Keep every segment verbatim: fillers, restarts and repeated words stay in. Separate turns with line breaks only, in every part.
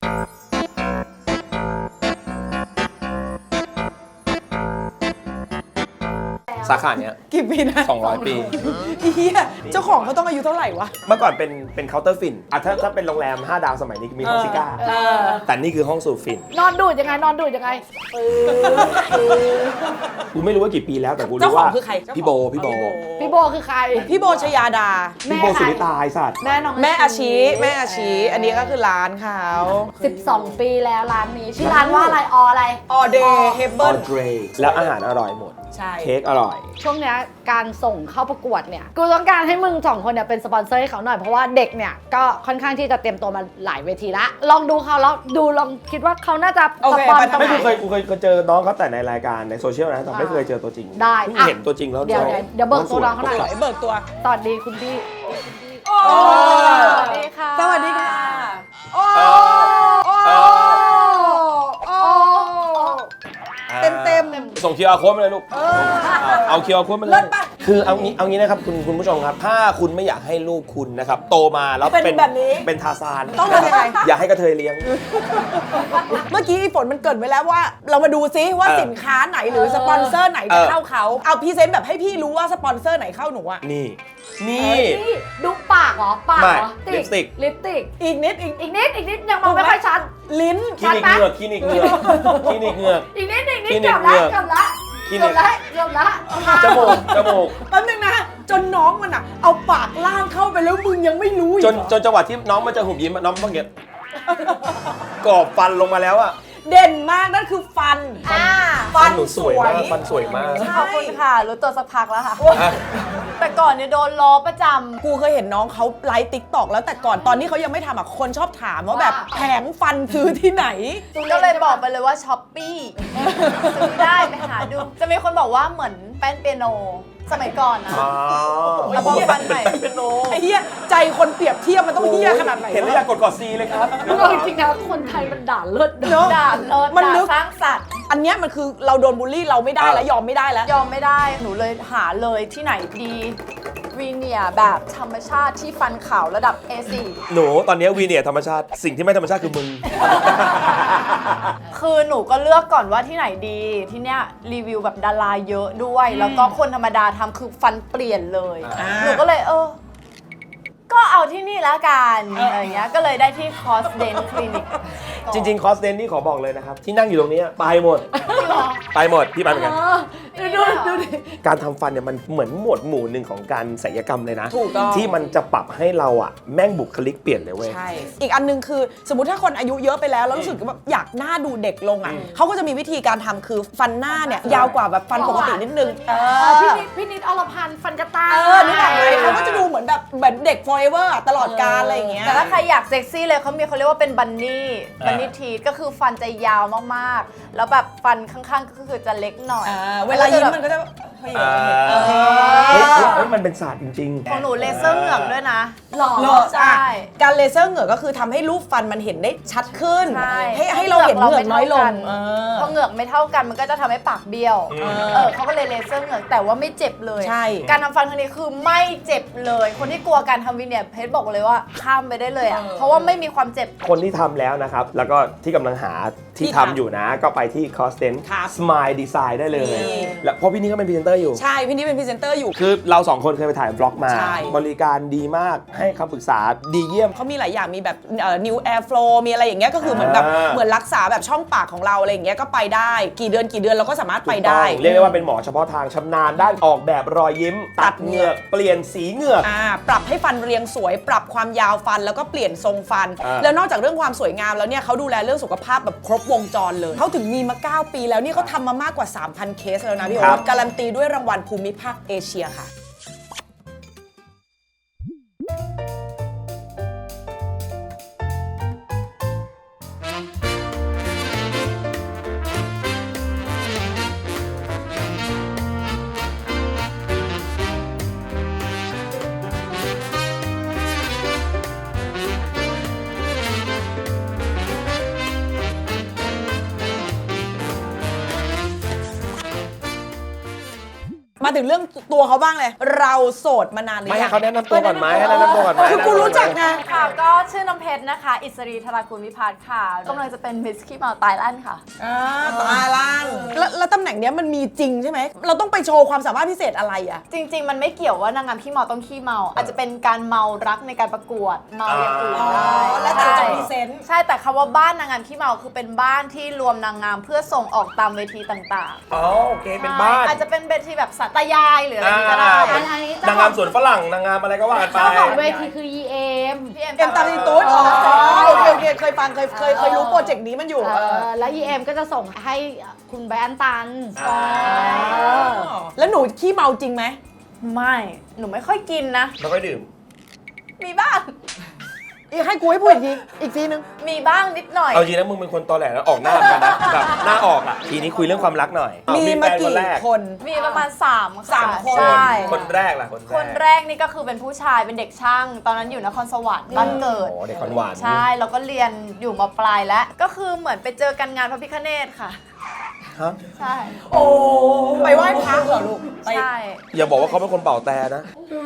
สาขาเนี้ย
กี่ปีนะ
สองร้อยปี
เฮียเจ้าของเขาต้องอายุเท่าไหร่วะ
เมื่อก่อนเป็นเป็นเคาน์เตอร์ฟินอ่ะถ้าถ้าเป็นโรงแรมห้าดาวสมัยนี้มีห้องซิก้าแต่นี่คือห้องสูบฟิน
นอนดูดยังไงนอนดูดยังไง
กูไม่รู้ว่ากี่ปีแล้วแต่กูรู้ว่าพี่โบพี่โบ
พี่โบคือใคร
พี่โบชยาดา
พี่โบสุริตาไอ้สัตว์
แม่น้อง
แม่อาชีแม่อาชีอันนี้ก็คือร้านเขา
สิบสองปีแล้วร้านนี้ชื่อร้านว่าอะไรออะไร
ออเดย์เฮเบิล
แล้วอาหารอร่อยหมดเค้กอร่อย
ช่วงนี้การส่งเข้าประกวดเนี่ยกูต้องการให้มึงสองคนเนี่ยเป็นสปอนเซอร์ให้เขาหน่อยเพราะว่าเด็กเนี่ยก็ค่อนข้างที่จะเตรียมตัวมาหลายเวทีละลองดูเขาแล้วดูลองคิดว่าเขาน่าจะสปอนตรงไหน
ไม่เคยกูเคยเจอน้องเขาแต่ในรายการในโซเชียลนะแต่ไม่เคยเจอตัวจริง
ได้
เห็นตัวจริงแล้ว
เดี๋ยวเดี๋ยวเบิกตัวน้องเขาหน่อย
เบิกตัว
สวัสดีคุณพี่
สวัสดีค่ะสวัสดีค่ะโอ้เต็มเต็ม
ส่ง คิว อาร์ Code มาเลยลูกเอา คิว อาร์ Code มาเลยคือเอางี้เอางี้นะครับคุณคุณผู้ชมครับถ้าคุณไม่อยากให้ลูกคุณนะครับโตมาแล้วเป็นแบบนี้เป็นทาซาน
ต้องทำยังไง
อย่าให้กระเทยเลี้ยง
เมื่อกี้ฝนมันเกิดไว้แล้วว่าเรามาดูซิว่าสินค้าไหนหรือสปอนเซอร์ไหนจะเข้าเขาเอาพรีเซนต์แบบให้พี่รู้ว่าสปอนเซอร์ไหนเข้าหนูอะ
นี่นี่
ดูปากเหรอปากเหรอ
ลิปสติก
ลิปสติก
อีกนิดอีก
อีกนิดอีกนิดยังมองไม่ค่อยชัด
ลิ้น
คลินิกเหงือกคลินิกเหงือกคลินิกเหงือก
อีกนิดอีกนิดเกือบละเกือบละเกือบละเกือบละ
จมูกจมูก
แป๊บนึงนะจนน้องมันอะเอาปากล่างเข้าไปแล้วมึงยังไม่รู้
จนจนจังหวะที่น้องมันจะหุบยิ้มน้องต้องเก็บกรอบฟันลงมาแล้วอะ
เด่นมากนั่นคือฟัน
ฟันหนูสวยมากฟันสวยมาก
ขอบคุณค่ะรู้ตัวสักพักแล้วค่ะแต่ก่อนเนี่ยโดนล้อประจำ
กูเคยเห็นน้องเขาไลฟ์ติ๊กต็อกแล้วแต่ก่อนตอนที่เขายังไม่ทำอ่ะคนชอบถามว่าแบบแผงฟันซื้อที่ไหน
ก็เลยบอกไปเลยว่าช้อปปี้ซื้อได้ไปหาดูจะมีคนบอกว่าเหมือนแป้นเปียโนสมัยก่อนนะ
แล้วพอฟันใหม่เป็นโน
ไอ้เหี้ยใจคนเปรียบเทียบมันต้องเหี้ยขนาดไหน
เห็นแล้วอยากกดกดซีเลยครับ
จริงๆนะคนไทยมันด่าเลิศ
ด่าเลิศด่าสร้างสรรค์
อันเนี้ยมันคือเราโดนบูลลี่เราไม่ได้แล้วยอมไม่ได้แล้ว
ยอมไม่ได้หนูเลยหาเลยที่ไหนดีวีเนียแบบธรรมชาติที่ฟันขาวระดับ เอ โฟร์
หนูตอนนี้วีเนียธรรมชาติสิ่งที่ไม่ธรรมชาติคือมึง
คือหนูก็เลือกก่อนว่าที่ไหนดีที่เนี้ยรีวิวแบบดาราเยอะด้วยแล้วก็คนธรรมดาทำคือฟันเปลี่ยนเลยหนูก็เลยเออก็เอาที่นี่ละกันอะไรเงี้ยก็เลยได้ที่คอสเดนคลินิก
จริงๆคอสเดนนี่ขอบอกเลยนะครับที่นั่งอยู่ตรงนี้ไปหมดไปหมดพี่ไปเหมือนกัน
ดูดูดิ
การทำฟันเนี่ยมันเหมือนหมวดหมู่หนึ่งของการศัลยกรรมเลยนะ
ถูกต้อง
ที่มันจะปรับให้เราอ่ะแม่งบุคลิกเปลี่ยนเลยเว้ย
ใช่อีกอันนึงคือสมมติถ้าคนอายุเยอะไปแล้วแล้วรู้สึกว่าอยากหน้าดูเด็กลงอ่ะเขาก็จะมีวิธีการทำคือฟันหน้าเนี่ยยาวกว่าแบบฟันปกตินิดนึง
พี่นิดพี่นิดอรพันธ์ฟันกระต่าย
เออนี่แหละเขาก็จะดูเหมือนแบบเหมือนเด็ก forever ตลอดกาลอะไรอย่างเงี้ย
แต่ถ้าใครอยากเซ็กซี่เลยเขามีเขาเรียกว่าเป็นบันนี่บันนี่ทีก็คือฟันจะยาวมากๆแล้วแบบฟันข้างๆก็คือจะเล็กหน่อย
เวลายิ้มมันก็จะ
เฮ้ยมันเป็นศาสตร์จริง
ๆของหนูเลเซอร์เหงือกด้วยนะ
หล่อใช่การเลเซอร์เหงือกก็คือทำให้รูปฟันมันเห็นได้ชัดขึ้นให้ให้เราเห็นเหงือกน้อยลง
พอเหงือกไม่เท่ากันมันก็จะทำให้ปากเบี้ยวเออเขาก็เลยเลเซอร์เหงือกแต่ว่าไม่เจ็บเลย
ใช่
การทำฟันครั้งนี้คือไม่เจ็บเลยคนที่กลัวการทำวีเนียร์เพชรบอกเลยว่าข้ามไปได้เลยอ่ะเพราะว่าไม่มีความเจ็บ
คนที่ทำแล้วนะครับแล้วก็ที่กำลังหาที่ทำอยู่นะก็ไปที่ คอสเดน Smile Design ได้เลยแล้วเพราะพี่นี่ก็เป็นพรีเซนเตอร์อยู่
ใช่พี่นี่เป็นพรีเซนเตอร์อยู่
คือเราสองคนเคยไปถ่ายบล็อกมาบริการดีมากให้คำปรึกษาดีเยี่ยม
เขามีหลายอย่างมีแบบ New Air Flow มีอะไรอย่างเงี้ยก็คือเหมือนแบบเหมือนรักษาแบบช่องปากของเราอะไรอย่างเงี้ยก็ไปได้กี่เดือนกี่เดือนเราก็สามารถไปได้
เรียกได้ว่าเป็นหมอเฉพาะทางชำนาญด้านออกแบบรอยยิ้มตัดเหงือกเปลี่ยนสีเหงือก
ปรับให้ฟันเรียงสวยปรับความยาวฟันแล้วก็เปลี่ยนทรงฟันแล้วนอกจากเรื่องความสวยงามแล้วเนี่ยเขาดูแลเรื่องสุขภาพแบบครบวงจรเลยเขาถึงมีมาเก้าปีแล้วนี่เขาทำมามากกว่า สามพัน เคสแล้วนะพี่โอ๊ตการันตีด้วยรางวัลภูมิภาคเอเชียค่ะมาถึงเรื่องตัวเขาบ้างเลย เราโสดมานานหรือ
ไม่
ยั
ให้
ง
เขาแนะนำตัวก่อนไหมให้แนะนำตัวก่อนไหม
คือกูรู้จักไง
ค่ะก็ชื่อน้ำเพชรนะคะ อิสรีธรากุลวิพัฒน์ค่ะกำลังจะเป็นมิสขี้เมาไตแลนด์ค่ะ
อ่าตาล่างแล้วแล้วตำแหน่งเนี้ยมันมีจริงใช่ไหมเราต้องไปโชว์ความสามารถพิเศษอะไรอ่ะ
จริง ๆ มันไม่เกี่ยวว่านางงามขี้เมาต้องขี้เมา อาจจะเป็นการเมารักในการประกวดเมาอย่างอื่น
อ๋อ
ได้
แล้วแต่จะ
ใช่
พรีเซนต์
ใช่แต่คำว่าบ้านนางงามขี้เมาคือเป็นบ้านที่รวมนางงามเพื่อส่งออกตามเวทีต่างๆ
อ๋อโอเคเป็นบ้าน
อาจจะเป็นเวทีแบบสัตยายหรืออะไรอย่างงี้ก็ได้
อ่า
อันอันนี้
นางงามสวนฝรั่งนางงามอะไรก็ว่ากันไป
เจ้าของเวทีคือ อี เอ็ม
พี่
เอ็มตาลีตูดอ๋อโอเคโอเคเคยฟังเคยเคยเคยรู้โปรเจกต์นี้มันอยู่
เออแล้ว อี เอ็ม ก็จะส่งให้คุณแบรนด์ตัน
อ่า
เออ
แล้วหนูขี้เมาจริงไหม
ไม่ หนูไม่ค่อยกินนะ
ไม่ค่อยดื่ม
มีบ้าง
อีกให้กูให้พูดอีกทีอีกทีนึง
มีบ้างนิดหน่อย
เอาจริงนะมึงเป็นคนตอแหลแล้วออกหน้าเหมือนกันนะแบบหน้าออกอ่ะทีนี้คุยเรื่องความรักหน่อย
มี
แฟ
มาน กี่
คนแรก
คน
มีประมาณ3าม
สามคน
ใช่
คนแรกล่ะคนแรก
คนแรกนี่ก็คือเป็นผู้ชายเป็นเด็กช่าง ตอนนั้นอยู่นครสวรรค์บ้านเกิด
โอ้เด็กขวัญหวาน
ใช่แล้วก็เรียนอยู่มปลายแล้ว ก็คือเหมือนไปเจอกันงานพระพิฆเนศค่ะ
ฮะ
ใช่
โอ้ไปไหว้พระเหรอลูกไป
ใช่
อย่าบอกว่าเขาเป็นคนเป่าแต่นะ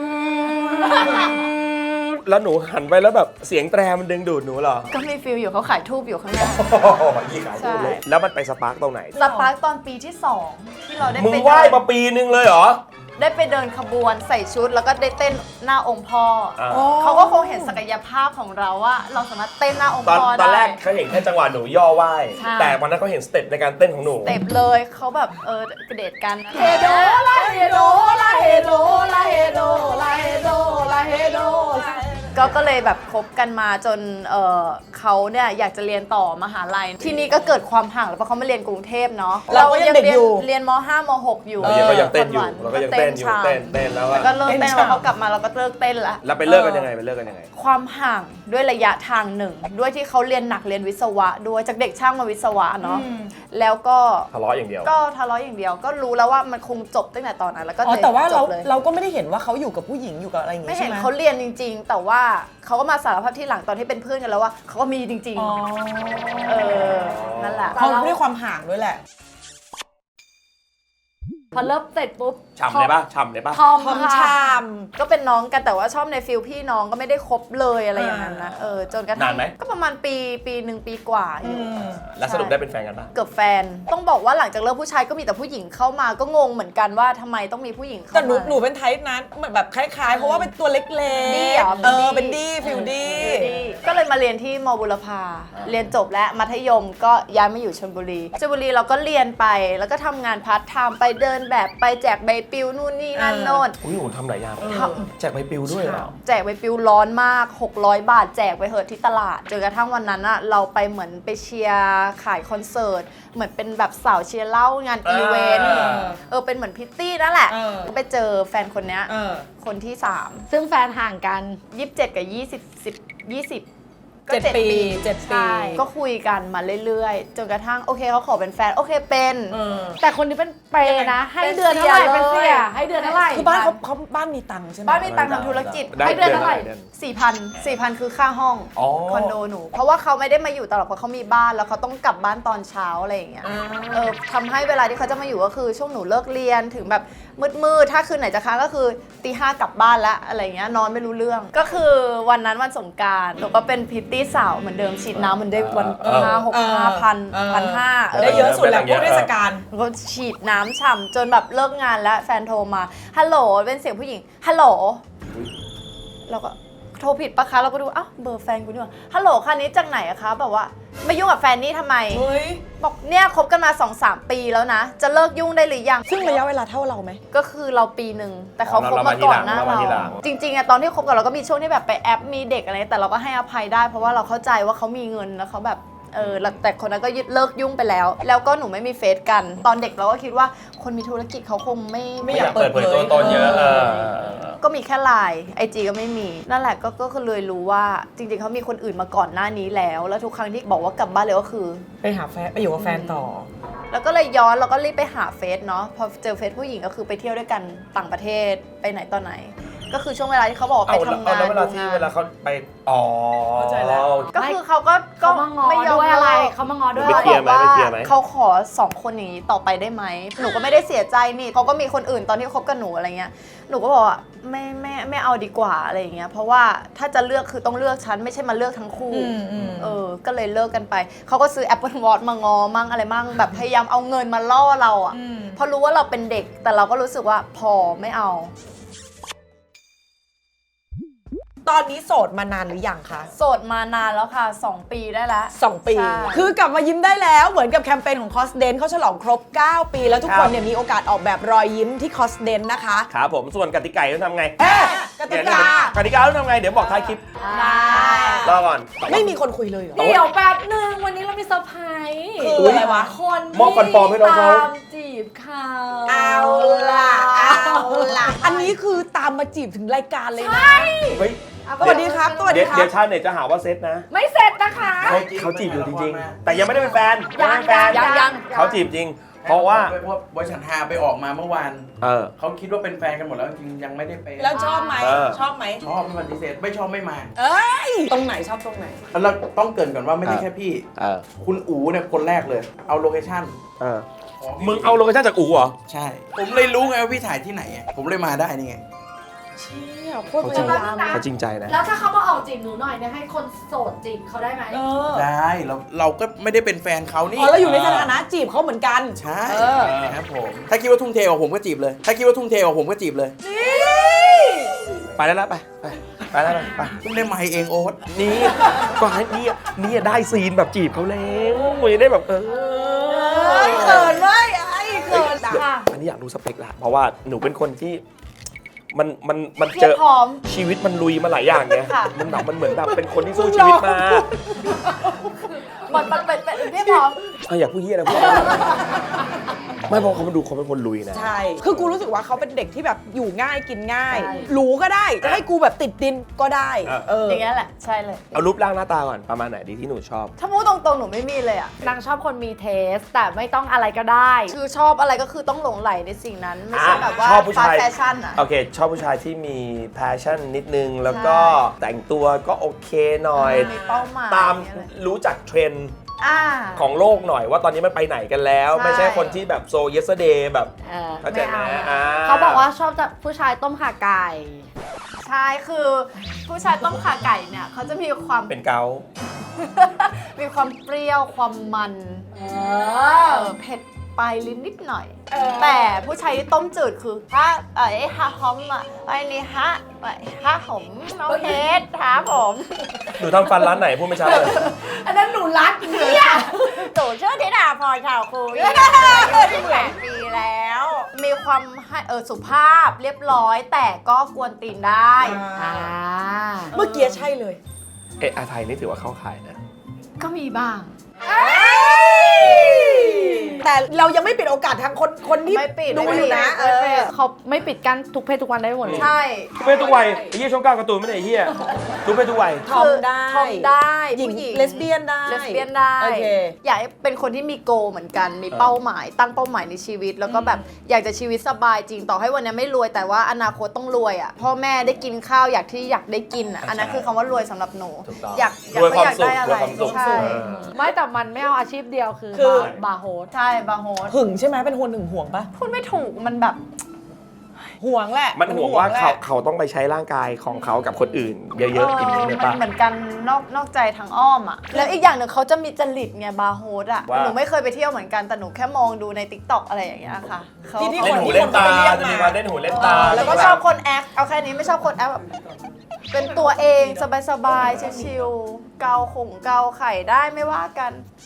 แล้วหนูหันไปแล้วแบบเสียงแตรมันดึงดูดหนูเหรอ
ก็มีฟิลอยู่เขาขายทูบอยู่ข้างหน้า
ยี่ขาย
ใช่
ดูเลยแล้วมันไปสปาร์กตรงไหน
สปาร์คตอนปีที่สองที่เราได้
มึง
ไป
ไหว้
เดิน
มาปีนึงเลยเหรอ
ได้ไปเดินขบวนใส่ชุด แล้วก็ได้เต้นหน้าองค์พ่ออา เขาก็คงเห็นศักยภาพของเราว่า เราสามารถเต้นหน้าองค์
ตอน
พ่อ
ตอนแร
ได้
กเขาเห็นแค่จังหวะหนูย่อไหว้
ใช่
แต่วันนั้นเขาเห็นสเต็ปในการเต้นของหนู
เต็บเลยเขาแบบเออกระเดทกันเฮโด
ลาเฮโดลาเฮโดลาเฮโดลาเฮโดลาเฮโด
ก็ก็เลยแบบคบกันมาจนเออเขาเนี่ยอยากจะเรียนต่อมหาลัย ที่นี่ก็เกิดความห่างแล้วเพราะเขามาเรียนกรุงเทพเนาะ
เราก็ยังเด็กอยู่
เรียนม ห้าม หก อยู่
เรายังก็ยังเต้นอยู่
คห
เราก็ยังเต้นอยู่
ชา
เต้นเต้นแล้ว
แล้ว
อะ
ก็เลิก
เต้
เต้
น
น
ชา
แล้วเขากลับมาเราก็เลิกเต้นละ
แล้วไปเลิกกันยังไงไปเลิกกันยังไง
ความห่างด้วยระยะทางหนึ่ง ด้วยที่เขาเรียนหนักเรียนวิศวะด้วยจากเด็กช่างมาวิศวะเนาะแล้วก็
ทะเลาะอย่างเดียว
ก็ทะเลาะอย่างเดียว ก็รู้แล้วว่ามันคงจบตั้งแต่ตอนนั้นแล้วก็
อ๋อแต่ว่า
จ
เรา
บเลย
เราก็ไม่ได้เห็นว่าเขาอยู่กับผู้หญิงอยู่กับอะไรอย่าง
ไม่
งี้
เห็
ใช่
น
ไหม
เขาเรียนจริง ๆ แต่ว่าเขาก็มาสารภาพที่หลังตอนที่เป็นเพื่อนกันแล้วว่าเขาก็มีจริง
อ๋อ
ๆ เออ นั่นแหละ
เขาด้วยความห่างด้วยแหละ
พอเริ่มเสร็จปุ๊บ
ฉ่ำเลยปะฉ่ำเลยปะ
ทอม
ทอม
ค่ะ
ชาม
ก็เป็นน้องกันแต่ว่าชอบในฟิลพี่น้องก็ไม่ได้คบเลยอะไรอย่างนั้นนะ เออ จนกระทั่
นาง นไหม
ก็ประมาณปีปีหนึ่งปีกว่าอยู่
แล้วสรุปได้เป็นแฟนกันปะ
เกือบแฟน ต้องบอกว่าหลังจากเลิกผู้ชายก็มีแต่ผู้หญิงเข้ามาก็งงเหมือนกันว่าทำไมต้องมีผู้หญิงเข้า
แต่หนู
มา
หนูเป็นไทป์นั้นเหมือนแบบคล้ายๆ เพราะว่าเป็นตัวเล็กๆ
ดี้เหรอ
เออ
เป็
เป็น
นดี้
ดี้ฟิลดี้
ก็เลยมาเรียนที่มบุรพาเรียนจบแล้วมัธยมก็ย้ายมาอยู่ชลบุรีชลบุรีเราก็เรียนไปแล้วก็ทำงานพาร์ทไทม์ไปเดินแบบไปแจกใบปลิวนู่นนี่นั่นโน่น
อุ้ยหนูทำหลายอย่างแจกใบปลิวด้วยเหรอ
แจกใบปลิวร้อนมาก หกร้อย บาทแจกไปเหอะที่ตลาดจนกระทั่งวันนั้นอะเราไปเหมือนไปเชียร์ขายคอนเสิร์ตเหมือนเป็นแบบสาวเชียร์เหล้างานอีเวนต์
อ่า
เออเป็นเหมือนพิตตี้นั่นแหละ
เออ
ก็ไปเจอแฟนคนเนี้ย
เออ
คนที่สาม
ซึ่งแฟนห่างกัน
ยี่สิบเจ็ดกับยี่สิบสิบยี่สิบ
เจ็ดปีเจ็ดปี
ใช่ก็คุยกันมาเรื่อยๆ จนกระทั่งโอเคเขาขอเป็นแฟน โอเคเป็น
เออ
แต่คนนี้เป็นเปรย์นะ ให้
เป็น
เดือนเท่าไหร่
เสีย
เป็นเสีย
เลย
ให้เดือนเท่าไหร่
คือบ้านเขาเขาบ้านมีตังค์ใช่ไหม
บ้านมีตังค์ทำธุรกิจ
ได้
ให้เดือนเท่าไหร่
เดือน
สี่พันสี่พันคือค่าห้อง
อ๋อ
คอนโดหนู เพราะว่าเขาไม่ได้มาอยู่ตลอดเพราะเขามีบ้านแล้วเขาต้องกลับบ้านตอนเช้าอะไรอย่างเงี้ย
อ่า
เออทำให้เวลาที่เขาจะมาอยู่ก็คือช่วงหนูเลิกเรียนถึงแบบมืดๆถ้าคืนไหนจะค้างก็คือตีห้ากลับบ้านแล้วอะไรเงี้ยนอนไม่รู้เรื่อง ก็คือวันนั้นวันสงกรานต์หนูก็เป็นพริตตี้สาวเหมือนเดิมฉีดน้ำเหมือนได้วัน
เออ
ห้าหกห้าพันพันห้า
ได้เยอะสุดแล้วพวกเทศกาล
หนูก็ฉีดน้ำฉ่ำจนแบบเลิกงานแล้วแฟนโทรมาฮัลโหลเป็นเสียงผู้หญิงฮัลโหลเราก็โทรผิดปะคะเราก็ดูอ้าวเบอร์แฟนกูนี่หว่าฮัลโหลคันนี้จากไหนอะคะแบบว่ามายุ่งกับแฟนนี่ทำไม
เฮ้ย
บอกเนี่ยคบกันมา สองสาม ปีแล้วนะ จะเลิกยุ่งได้หรือยัง
ซึ่งระยะเวลาเท่าเราไหม
ก็คือเราปีหนึ่งแต่เขา
อ๋อ
คบ
เรา
มา
มาที
ก่อ
หลั
น
ง
หน้า
เรามา
เรา
ทีหลัง
จริงๆอะตอนที่คบกันเราก็มีช่วงที่แบบไปแอปมีเด็กอะไรแต่เราก็ให้อภัยได้เพราะว่าเราเข้าใจว่าเขามีเงินแล้วเขาแบบเออแล้วแต่คนนั้นก็ยึดเลิกยุ่งไปแล้ว แล้วก็หนูไม่มีเฟซกัน ตอนเด็กเราก็คิดว่าคนมีธุรกิจเขาคงไม่
ไม่
ไม่อยาก ก
อายเปิ
เปิ
ด
ด
เผ
เผ
ย
ยตัวตนเยอะเออ
ก็มีแค่ไลน์ไอจีก็ไม่มีนั่นแหละก็ก็คือเลยรู้ว่าจริงๆเขามีคนอื่นมาก่อนหน้านี้แล้ว แล้วทุกครั้งที่บอกว่ากลับบ้านเลยก็คือ
ไปหาแฟนไปอยู่กับแฟนต่อ
แล้วก็เลยย้อนแล้วก็รีบไปหาเฟซเนาะพอเจอเฟซผู้หญิงก็คือไปเที่ยวด้วยกันต่างประเทศไปไหนตอนไหน ก็คือช่วงเวลาที่เขาบอกว่า
เอา
ไป
แล้ว
ทำ
เอา
งาน
แล้วเวลา
ดู
ที่
งาน
เวลาเขาไปอ๋อ
เข้าใจแล้ว
ก็คือเขาก็ก็
เขามางอ
ไม่ยอม
ด้วยอะไร
เลิก
เขามางอด้วย
ไปเคลียร์ไหม
ขาบอก
ไป
ว่า
เคลียร์ไหม
เขาขอสองคนอย่างนี้ต่อไปได้ไหมหนูก็ไม่ได้เสียใจนี่เขาก็มีคนอื่นตอนที่คบกับหนูอะไรเงี้ยหนูก็บอกว่าไม่ไม่ไม่เอาดีกว่าอะไรอย่างเงี้ยเพราะว่าถ้าจะเลือกคือต้องเลือกฉันไม่ใช่มาเลือกทั้งคู่
อืมอืม
เออก็เลยเลิกกันไปเขาก็ซื้อ Apple Watch มางอมั่งอะไรมั่งแบบพยายามเอาเงินมาล่อเราอ่ะเพราะรู้ว่าเราเป็นเด็กแต่เราก็รู้สึกว่าพอไม่เอา
ตอนนี้โสดมานานหรือยังคะ
โสดมานานแล้วค่ะสองปีได้แล้ว
สองปี
ใช่
คือกลับมายิ้มได้แล้วเหมือนกับแคมเปญของคอสเดนเขาฉลองครบ เก้า ปี แล้วทุกคนเนี่ยมีโอกาสออกแบบรอยยิ้มที่คอสเดนนะคะ
ครับผมส่วนกติกาต้องทำไง
เอ๊ะกติกา
กติกาต้องทำไงเดี๋ยวบอกท้ายคลิป
ได้
รอก่อน
ไม่มีคนคุยเลยเหรอ
เดี๋ยวแป๊บหนึ่งวันนี้เรามีเซอร์ไพรส์
คืออะไรวะ
คน
มอบฟันปลอมให้น้องเขา
ตามจีบเขา
เอาล่ะเอาล่ะอันนี้คือตามมาจีบถึงรายการเลยนะ
เฮ้ย
สวัสดีครับสวัสดี
เดี๋ยว
ครั
เดี๋
บ
ยวชาวเน็ตจะหาว่าเซตนะ
ไม่เสร็จนะคะ
เขาเขาจีบอยู่จริงๆ แต่ยังไม่ได้เป็นแฟน
ยัง
ไม่ได้เป็นแฟน
ยังยัง
เขาจีบจริง เพราะว่า
เพราะบริษัทฮาไปออกมาเมื่อวาน
เออ
เขาคิดว่าเป็นแฟนกันหมดแล้วจริงๆยังไม่ได้เป็น
แล้วชอบไหม
เออ
ชอบไหม
ชอบไม่ปฏิเสธไม่ชอบไม่มา
เอ้ยตรงไหนชอบตรงไหน
แล้วต้องเกรินก่อนว่าไม่ใช่
เออ
แค่พี่
เออ
คุณอู๋เนี่ยคนแรกเลย เอาโลเคชั่น
เออมึงเอาโลเคชั่นจากอู๋เหรอ
ใช่ ผมเลยรู้ไงว่าพี่ถ่ายที่ไหนอะผมเลยมาได้นี่ไง
เชี่ยโคตร
เขา
พ
จริง
ยายาม
เขาจริงใจนะ
แล้วถ้าเขามาออกจีบหนูหน่อยเนี่ยให้คนโสดจีบเขาได้ไหม
เออ
ได้เราเราก็ไม่ได้เป็นแฟนเขานี่
อ๋อแล้วอยู่ในสถานะจีบเขาเหมือนกัน
ใช่
เออ
ครับผมถ้าคิดว่าทุ่มเทกว่าผมก็จีบเลย ถ้าคิดว่าทุ่มเทกว่าผมก็จีบเลย
ไปแล้วนะไปไปไปแล้วนะไป
เพิ่งได้ไมค์เองโอ๊ต
นี่ก็ให้นี่นี่ได้ซีนแบบจีบเขาแล้วมึงได้แบบเออ
เฮ้ยเขินเว้ยไอ้เขิน
เดี๋ยว
อ่ะ
อันนี้อยากรู้สเปคละเพราะว่าหนูเป็นคนที่มันมันมัน
เพี
เจ
ยบ
อ
พร้อม
ชีวิตมันลุยมาหลายอย่างไง
ค่ะ
มันแบบมันเหมือนแบบเป็นคนที่สู้ชีวิตมา
มันมันเป็นเป็นเพียบพร้อม
เอออยากพูดเยี่ยนะพูดไม่เพราะเขามาดูเขาเป็นคนลุยนะ
ใช่ คือกูรู้สึกว่าเขาเป็นเด็กที่แบบอยู่ง่ายกินง่าย
ใช่
หรูก็ได้ จะให้กูแบบติดดินก็ได้
เออ
เออ
อย่างเงี้ยแหละใช่เลย
เอารูปร่างหน้าตาก่อนประมาณไหนดีที่หนูชอบ
ถ้าพูดตรงๆหนูไม่มีเลยอ่ะ
นางชอบคนมีเทส แต่ไม่ต้องอะไรก็ได้
คือชอบอะไรก็คือต้องหลงไหลในสิ่งนั้น ไม่ใช่แบบว่า
ชอบผู้ชาย
ฟาแฟชั่นอ่ะ
โอเค ชอบผู้ชายที่มี passion นิดนึง แล้วก็แต่งตัวก็โอเคหน่อย
มีเป้าหมาย
ตาม
อะไร
รู้จักเทรนด์
อ่า
ของโลกหน่อยว่าตอนนี้มันไปไหนกันแล้ว
ใช่
ไม่ใช่คนที่แบบโซ yesterday แบบ
เออ
เข้าใจ
ไม่
ไหม
เอา
อ่า
เขาบอกว่าชอบจะผู้ชายต้มข่าไก่
ใช่คือผู้ชายต้มขาไก่เนี่ยเขาจะมีความ
เป็นเกา
มีความเปรี้ยวความมัน
เอ
เอ
อ
อเผ็ดปลายลิ้นนิดหน่อย แต่ผู้ชายที่ต้มจืดคือฮะเอ้ยฮะหอมอ่ะไอ้นี่ฮะไอ้ฮะหอมน้องเฮดฮะผม
หนูทำฟันร้านไหนพูดไม่ชัดเลย
อันนั้นหนูรักเนี่ย
ตู่ชื่อธิดาพรข่าวคุยที่แปดปีแล้ว มีความให้เออสุภาพเรียบร้อย แต่ก็กวนตีนได้
อ่า
เมื่อกี้ใช่เลย
เอะอาไทยนี่ถือว่าเข้าขายนะ
ก็มีบ้าง
แต่เรายังไม่ปิดโอกาสทางคนคนที่
ไม่ปิด
ดู
ไม่
อ
ปิ
ยู่
ด
นะเอ
ไม่ปิ
อ
ด
เขาไม่ปิดกั้นทุกเพศทุกวันได้หมดเลย
ใช่
ทุกเพศทุกวัยไอ้เหี้ยช่องเก้าการ์ตูนไม่ได้ไอ้เหี้ยทุกเพศทุกวัย
ทอมได้
ทอมได้
หญิง
ผู้หญิง
เลสเบี้ยนได้
เลสเบี้ยนได้
โอเค
อยากให้เป็นคนที่มีโกเหมือนกัน มีเป้าหมาย ตั้งเป้าหมายในชีวิต แล้วก็แบบอยากจะชีวิตสบายจริง ต่อให้วันนี้ไม่รวยแต่ว่าอนาคตต้องรวยอ่ะ พ่อแม่ได้กินข้าวอยากที่อยากได้กินอ่ะ อันนั้นคือคำว่ารวยสำหรับหนู
ถูกต้อง
อยากอยาก
รวยความ
อยาก
สุข
ได้อะ
ร
ไร
วยความสุข
ใช่
เออ
ไม่แต่มันไม่เอาอาชีพเดียวคือ
คือ
บาร์โฮส
ใช่บาร์โฮส
หึงใช่ไหมเป็นคนหึงห่วงปะ
พูดไม่ถูกมันแบบ
ห่วงแหละ
มันห่วงว่า
แหละ
เขาเขาต้องไปใช้ร่างกายของเขากับคนอื่น เยอะๆอย่างนี้เลย
มั
ปะ
นเหมือนกันนอกนอกใจทางอ้อมอ่ะ แล้วอีกอย่างหนึ่งเขาจะมีจริตไงบาร์โฮสอ่ะ
ว่า
หนูไม่เคยไปเที่ยวเหมือนกันแต่หนูแค่มองดูในติ๊กต็อกอะไรอย่างเงี้ยค่ะเขา
ที่ที่
เล่นหูเล่นตาจะมีการเล่นหูเล่นตา
แล้วก็ชอบคนแอค เอาแค่นี้ไม่ชอบคนแอคแบบเป็นตัวเองสบายๆชิลๆเกาขงเกาไข่ได้ไม่ว่ากัน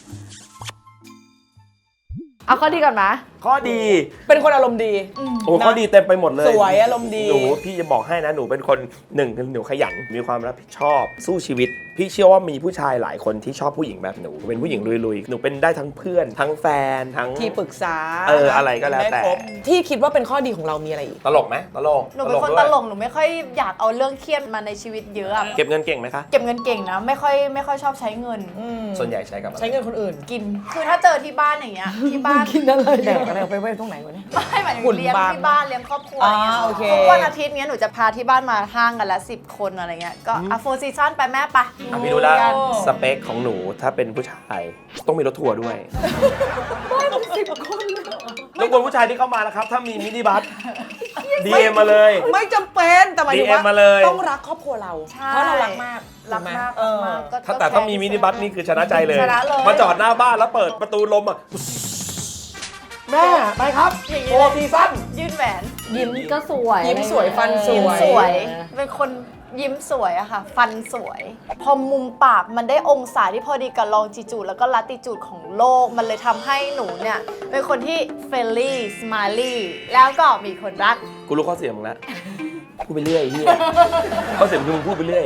เอาข้อดีก่อนไหม
ข้อดี
เป็นคนอารมณ์ดี
โอ้ข้อดีเต็มไปหมดเลย
สวยอารมณ์ดี
หนูพี่จะบอกให้นะหนูเป็นคนหนึ่งคือหนูขยันมีความรับผิดชอบสู้ชีวิต พี่เชื่อว่ามีผู้ชายหลายคนที่ชอบผู้หญิงแบบหนูเป็นผู้หญิงลุยๆหนูเป็นได้ทั้งเพื่อน ทั้งแฟนทั้ง
ที่ปรึกษา
เอออะไรก็แล้วแต่
ได้ครบที่คิดว่าเป็นข้อดีของเรามีอะไรอีก
ตลกไหมตลก
หนูเป็นคน
ด้วย
ตลกหนูไม่ค่อยอยากเอาเรื่องเครียดมาในชีวิตเยอะอะ
เก็บเงินเก่งไหมคะ
เก็บเงินเก่งนะ ไม่ค่อยไม่ค่อยชอบใช้เงิน
อืม
ส่วนใหญ่ใช้กับอะไร
ใช้เงินคนอื่น
กิน คือถ้าเจอที่บ้านอย่างเงี้ย ที่บ้านาน
กินอะไร
แดกอะไรเอาไปไว้ตรงไหนวะเนี่ย
ไม่หมายถึง
หุ่น
เลี้ยง
บาง
ที่บ้านเลี้ยงครอบครัว
อ่า
อะไรเงี้ย
โอเค
ทุกวันอาทิตย์เนี้ยหนูจะพาที่บ้านมาห้างกันละสิบคนอะไรเงี้ยก็อ่ะโฟร์ซีซั่นไปแม่ไป
อ่ะพี่ดูแลวสเปคของหนูถ้าเป็นผู้ชายต้องมีรถทัวร์ด้วยรบกวนผู้ชายที่เข้ามานะครับ ถ้ามีมินิบัส ดี เอ็ม มาเลย
ไม่จำเป็นแต่หมายถึง
ดี เอ็ม มาเลย
ต้องรักครอบครัวเรา
ใช่
เพราะเรารักมาก
รักมาก
เออ
รักมากก็
ถ้าแต่ถ้ามีมินิบัสนี่คือชนะใจเลย
ชนะเลย
มาจอดหน้าบ้านแล้วเปิดประตูลมอ่ะ แม่ ไปครับโฟร์ซีซั่น
ยื่นแหวน
ยิ้มก็สวย
ยิ้มสวยฟันส
ยิ้ม
วย
สวย เป็นคนยิ้มสวยอะค่ะ ฟันสวย พอมุมปากมันได้องศาที่พอดีกับลองจิจูดแล้วก็ลัติจูดของโลก มันเลยทำให้หนูเนี่ย เป็นคนที่เฟรนลี่สไมลี่แล้วก็มีคนรัก
กูรู้ข้อเสียมึงแล้วพูดไปเรื่อยไอ้เฮียข้อเสียมึงคือมึงพูดไปเรื่อย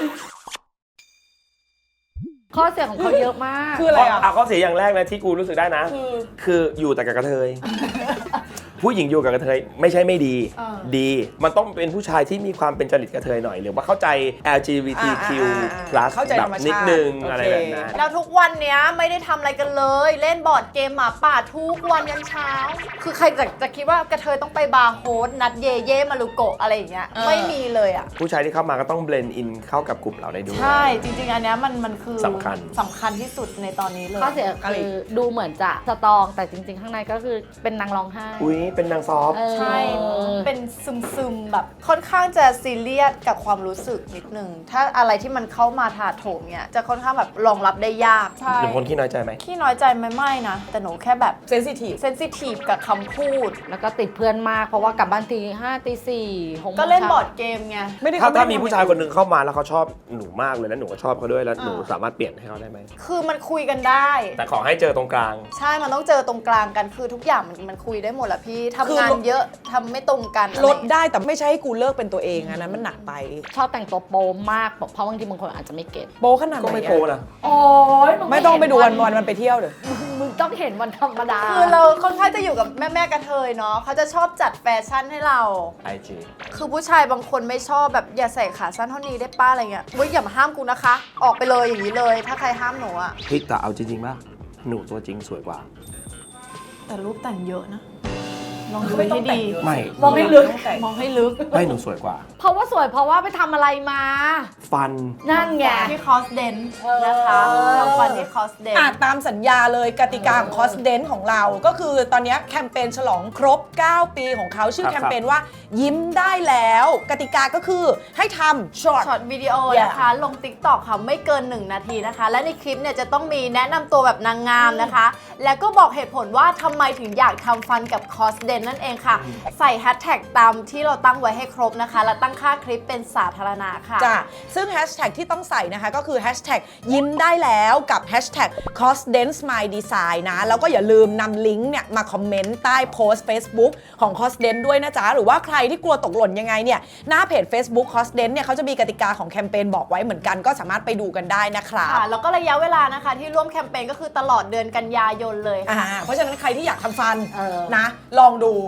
ข้อเสียของเขาเยอะมาก
คืออะไรอ่ะ
อ่ะข้อเสียอย่างแรกนะที่กูรู้สึกได้นะ
คือ
คืออยู่แต่กับกระเทย ผู้หญิงอยู่กับกระเทยไม่ใช่ไม่ดี
เออ
ดี มันต้องเป็นผู้ชายที่มีความเป็นจริตกระเทยหน่อย หรือว่าเข้าใจ แอล จี บี ที คิว
อ่าอ่าอ่า
plus
เข้าใจ
แบ
ธร
บ
รมชาติ
นิดนึง
โอเค
อะไรแบบนั้น
แล้วทุกวันเนี้ยไม่ได้ทำอะไรกันเลย เล่นบอร์ดเกมหมาป่าทุกวันยันเช้า คือใครจะจะคิดว่ากระเทยต้องไปบาร์โฮสนัดเย่เย่มารุโกะอะไรอย่างเงี้ย
เออ
ไม่มีเลยอ่ะ
ผู้ชายที่เข้ามาก็ต้องเบลนด์อินเข้ากับกลุ่มเราได้ด้วย
ใช่ จริง ๆ อันเนี้ยมันมันคือ
สำคัญ
สำคัญที่สุดในตอนนี้เลย
ข้อเสีย
อะไร
คือดูเหมือนจะสตรองแต่จริง ๆ ข้างในก็คือเป็นนางร้องไห้
อุ้ยเป็นนางซอฟต์
เออ
ใช่ เป็นซึมซึมๆแบบค่อนข้างจะซีเรียสกับความรู้สึกนิดนึง ถ้าอะไรที่มันเข้ามาถาโถมเนี่ยจะค่อนข้างแบบรองรับได้ยาก ใช่
หรือคนขี้น้อยใจไหม
ขี้น้อยใจไหม่ไม่นะ แต่หนูแค่แบบ
เซนซิทีฟ
เซนซิทีฟกับคำพูด
แล้วก็ติดเพื่อนมากเพราะว่ากลับบ้านทีห้าตีสี่หโมง
ก็เล่น
ช้า
บอร์ดเกมไง
ไม่ได้
ถ้า
เขไได้
ถ้ามีผู้ชายคนหนึ่งเข้ามาแล้วเขาชอบหนูมากเลยแล้วหนูก็ชอบเขาด้วยแล้วหนูสามารถเปลี่ยนให้เขาได้ไหม
คือมันคุยกันได้
แต่ขอให้เจอตรงกลาง
ใช่ มันต้องเจอตรงกลางกัน คือทุกอย่างมันมันคุยได้หมดแหละพี่ทำงานเยอะทำไม่ตรงกัน
ลดได้แต่ไม่ใช่ให้กูเลิกเป็นตัวเองอันนั้นมันหนักไป
ชอบแต่งตัวโป๊มากเพราะบางทีบางคนอาจจะไม่เก็ต
โปขนาดไหน
ก็ไม่
อะ
โปนะ
โอ้ย
ไม่ต้องไปดูวันวันมันไปเที่ยวเดี๋ยว
มึงต้องเห็นวันธรรมดา
คือเราค่อนข้างจะอยู่กับแม่แม่ๆกระเทยเนาะเขาจะชอบจัดแฟชั่นให้เรา
ไอจี
คือผู้ชายบางคนไม่ชอบแบบอย่าใส่ขาสั้นเท่านี้ได้ป้าอะไรเงี้ยเว้ยอย่ามาห้ามกูนะคะ ออกไปเลยอย่างนี้เลย ถ้าใครห้ามหนูอะ
พี่แต่เอาจริงๆป่ะหนูตัวจริงสวยกว่า
แต่รูปแต่งเยอะนะ ลองดูให้ดี
ไม่
มองให้ลึก
มองให้ลึก
ไม่หนูสวยกว่า
เพราะว่าสวยเพราะว่าไปทำอะไรมา
ฟัน
นั่นไง
ที่คอสเดนนะคะทำฟันที่คอสเดน
อ่ะตามสัญญาเลยกติกาของคอสเดนของเรา ก็คือตอนเนี้ยแคมเปญฉลองครบ เก้า ปีของเขาชื่อ
ครับ
แคมเปญว่ายิ้มได้แล้ว กติกาก็คือให้ทำช็อต
ช็อตวิดีโอ
Yeah
นะคะ ลง ติ๊กต็อก ค่ะ ไม่เกิน หนึ่ง นาทีนะคะ และในคลิปเนี่ยจะต้องมีแนะนำตัวแบบนางงามนะคะ แล้วก็บอกเหตุผลว่าทำไมถึงอยากทำฟันกับคอสเดนนั่นเองค่ะ ใส่แฮชแท็กตามที่เราตั้งไว้ให้ครบนะคะ และตั้งค่าคลิปเป็นสาธารณะค่ะ
จ้ะซึ่งแฮชแท็กที่ต้องใส่นะคะก็คือแฮชแท็กยิ้มได้แล้วกับแฮชแท็ก cosdance my design นะ แล้วก็อย่าลืมนำลิงก์เนี่ยมาคอมเมนต์ใต้โพสต์ Facebook ของ cosdance ด้วยนะจ๊ะ หรือว่าใครที่กลัวตกหล่นยังไงเนี่ย หน้าเพจ Facebook cosdance เนี่ยเขาจะมีกติกาของแคมเปญบอกไว้เหมือนกันก็สามารถไปดูกันได้นะครับ
ค่ะ แล้วก็ระยะเวลานะคะที่ร่วมแคมเปญก็คือตลอดเดือนกันยายนเลยค่ะ
อ่าเพราะฉะนั้นใครที่อยากทำฟัน
เออ
นะ ลองดู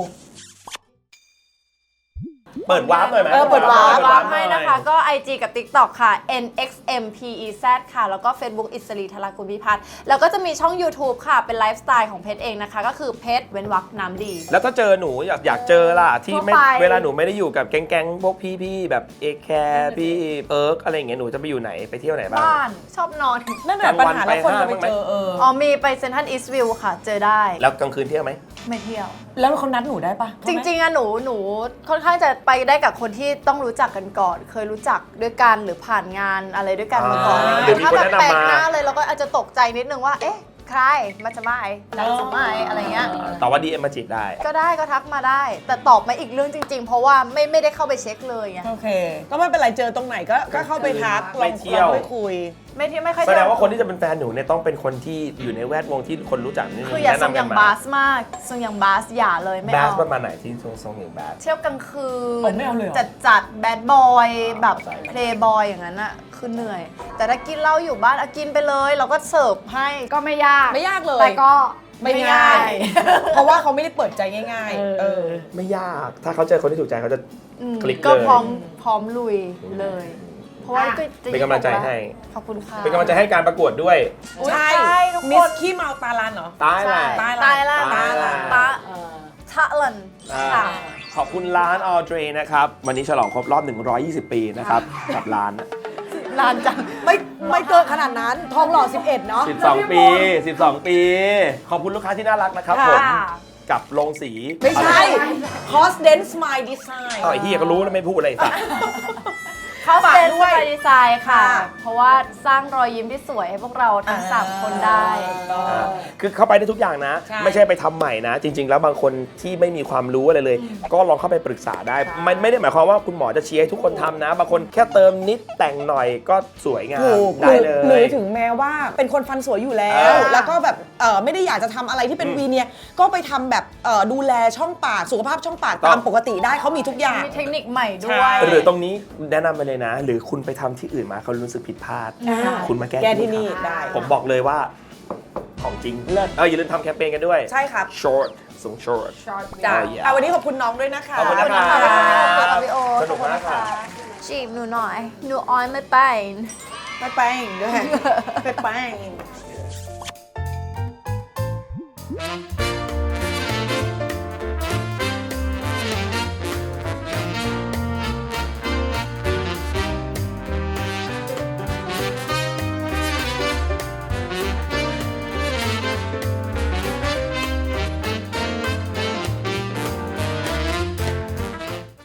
เปิดวาร์ปหน่อยไหม
เออเปิดวาร์ป
วางให้นะคะก็ ไอ จี กับ ติ๊กต็อก ค่ะ เอ็น เอ็กซ์ เอ็ม พี อี แซด ค่ะ แล้วก็ Facebook อิสรีธรากุลพิพัฒน์แล้วก็จะมีช่อง YouTube ค่ะ เป็นไลฟ์สไตล์ของเพชรเองนะคะ ก็คือเพชรเว้นวรรคน้ำดี
แล้วถ้าเจอหนูอยากอยากเจอล่ะที่ไม่
ทั่วไป
เวลาหนูไม่ได้อยู่กับแก๊งๆพวกพี่ๆแบบเอแคร์พี่เอิร์กอะไรอย่างเงี้ยหนูจะไปอยู่ไหนไปเที่ยวไหนบ้าง
บ้านชอบนอน
นั่นแหละปัญหาแล้วคนจะไปเจอเออ
อ๋อมีไปเซนทรัลอีสต์วิวค่ะ เจอได้
แล้วกลางคืนเที่ยวไหม
ไม่เที่ยว
แล้วเขานัดหนูได้ปะ
จริงๆอะหนูหนูค่อนข้างจะไปได้กับคนที่ต้องรู้จักกันก่อน เคยรู้จักด้วยกันหรือผ่านงานอะไรด้วยกันมาก่อน
อ่า
อะไร
เดี๋ยว
เงี้ย
มี
ถ้า
คน
แบบ
แนะนำ
แปลกหน้า
มา
เลยเราก็อาจจะตกใจนิดนึงว่า เอ๊ะ ใครมาจะมาไอ้นักสมัยอะไรเงี้ย
แต่ว่าดีเอ็มมาจีบได้
ก็ได้ก็ทักมาได้ แต่ตอบมาอีกเรื่องจริง ๆ เพราะว่าไม่ไม่ได้เข้าไปเช็คเลยไง
โอเค ก็ไม่เป็นไรเจอตรงไหนก็ก็เข้าไปทักล
ไป
อง
เที่ยว
ลองไปคุย
ไม่ที่ไม่ค่อย
แสดงว่าคนที่จะเป็นแฟนหนูเนี่ยต้องเป็นคนที่อยู่ในแวดวงที่คนรู้จักนี่
คืออย่า
แนะ
ทรง
นำ
อ
กั
ย่าน ง
มา
บาสมากทรงอย่างบาสอย่าเลยไม่
บาส
เอา
ประมาณไหนที่ทรงทรงอย่างบาส
เที่ยวกลางคื
อ๋อน ไม่เอาเลยเหรอ
จัดจัดแบดบอยแบบ
เข้าใจ
เพลย์บอยอย่างนั้นอะคือเหนื่อย แต่ถ้ากินเหล้าอยู่บ้านอะกินไปเลย เราก็เสิร์ฟให้
ก็ไม่ยาก
ไม่ยากเลย
แต่ก็
ไม่ง่าย เพราะว่าเขาไม่ได้เปิดใจง่าย
เออ
ๆ เออ
ไม่ยาก ถ้าเขาเจอคนที่ถูกใจเขาจะ
อืม
คลิก
ก็
เลย
พร้อมพร้อมลุยเลย พราะว่าก็จะ
เป็นกำลังใจให้
ขอบคุณค่ะ
เป็นกำลังใจให้การประกวดด้วย
ใช่
ใช่ทุกคน
มิสขี้เมาตาลันเหรอ
ตายแหละ
ตาย
ตายละ
ตายละ
ตา
เออ
ทะลัน
อ่า
ค่ะ
ขอบคุณร้านออเดรนะครับ วันนี้ฉลองครบรอบ หนึ่งร้อยยี่สิบ ปีนะครับ กับร้าน
นานจัง
ไม่ไม่เกินขนาดนั้น ทองหล่อ สิบเอ็ด เนาะ
สิบสอง ปี สิบสอง ปี ขอบคุณลูกค้าที่น่ารักนะครับผม
ค่ะ
กับโรงสี
ไม่ใช่ c o s d e n Smile Design
อ๋อไอ้เฮียก็รู้แล้วไม่พูดอะไรสัก
เขา
ฝาก
เป็น
ด้
ส
วย
ไตล์ดีไซน์ค่ะ
ค่ะ
เพราะว่าสร้างรอยยิ้มที่สวยให้พวกเราทั้งสามคนได้
อ่าคือเข้าไปได้ทุกอย่างนะ
ใช่
ไม่ใช่ไปทำใหม่นะ จริง ๆ แล้วบางคนที่ไม่มีความรู้อะไรเลย ก็ลองเข้าไปปรึกษาได้ มันไม่ได้หมายความว่าคุณหมอจะเชียร์ให้ทุกคนทำนะ บางคนแค่เติมนิดแต่งหน่อยก็สวยงาม
ถูก
ได้เล
หรือย ถึงแม้ว่าเป็นคนฟันสวยอยู่แล้ว
อ่า
แล้วก็แบบเอ่อไม่ได้อยากจะทำอะไรที่เป็นวีเนียร์ก็ไปทำแบบเอ่อดูแลช่องปากสุขภาพช่องปาก
ต้อง
ตามปกติได้เขามีทุกอย่าง
มีเทคนิคใหม่ด้ว
ใช่
ย
หรือตรงนี้แนะนำไปเลยนะ หรือคุณไปทำที่อื่นมาเขารู้สึกผิดพลาด คุณมาแก้
แก้ที่นี่
ครับ
ได้
ผมบอกเลยว่าของจริงเลิศเอออย่าลืมทำแคมเปญกันด้วย
ใช่ครับ
short สูง short
จ้ะ
อ่าอย่า
อ่ะวันนี้ขอบคุณน้องด้วยนะคะ
ขอบคุณนะค
ขอบคุณค่ะ
รับ
พี่โอ๊ต
สนุกมากค่ะ
จีบหนูหน่อย หนูออยไม่เป็น
ไปแป้งด้วยไปแป้ง